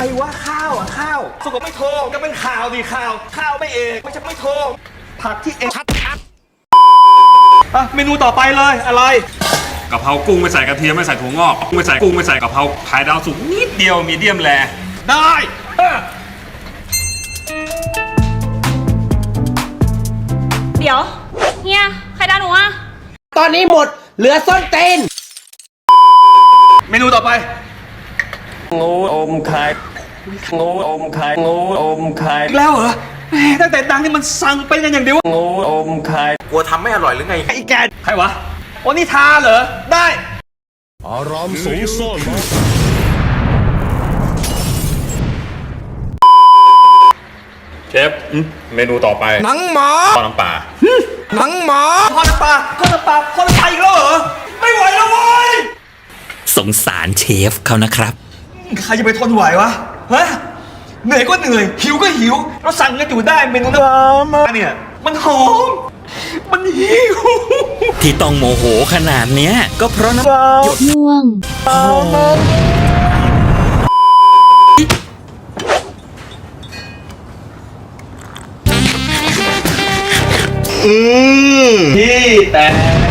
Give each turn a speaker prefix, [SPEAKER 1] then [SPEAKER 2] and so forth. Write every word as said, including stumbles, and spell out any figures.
[SPEAKER 1] รวะข้าวอ่ะข้าวสุกไม่โทรก็เป็นข่าวดิข่าวข้าวไม่เอกไม่ใช่ไม่โทรผักที่เอกชัดชัดอ่ะเมนูต่อไปเลยอะไร
[SPEAKER 2] กะเพรากุ้งไม่ใส่กระเทียมไม่ใส่ถั่วงอกไม่ใส่กุ้งไม่ใส่กะเพราไข่ดาวสุกนิดเดียวมีเดียมแร
[SPEAKER 1] ได้
[SPEAKER 3] เดี๋ยวเฮียใครด่าหนูอะ
[SPEAKER 4] ตอนนี้หมดเหลือส้นเต้น
[SPEAKER 1] เมนูต่อไป
[SPEAKER 5] งูอมไข่งูอมไข่งูอมไข่
[SPEAKER 1] อีกแล้วเหรอตั้งแต่ดังนี่มันสั่งเป็นกันอย่างเดียว
[SPEAKER 5] งูอมไข่
[SPEAKER 4] กลัวทำไม่อร่อยหรือไง
[SPEAKER 1] ไอ้แกใครวะโอนิทาเหรอได้
[SPEAKER 6] อารามสูงซ่อนมา
[SPEAKER 2] เชฟเมนูต่อไป
[SPEAKER 4] หนังหมา
[SPEAKER 2] ทอดน้ำปลา
[SPEAKER 4] หนังหมา
[SPEAKER 1] ทอดน้ำปลาทอดน้ำปลาทอดน้ำปลาอีกแล้วเหรอไม่ไหวแล้วเว้ย
[SPEAKER 7] สงสารเชฟเขานะครับ
[SPEAKER 1] ใครจะไปทนไหววะฮะเหนื่อยก็เหนื่อยหิวก็หิวเราสั่งกันอยู่ได้เมนูน้ำปลาเนี่ยมันหอมมันหิว
[SPEAKER 7] ที่ต้องโมโหขนาดเนี้ยก็เพราะน้ำหยด
[SPEAKER 3] ง่วง
[SPEAKER 1] อืมพี่แต่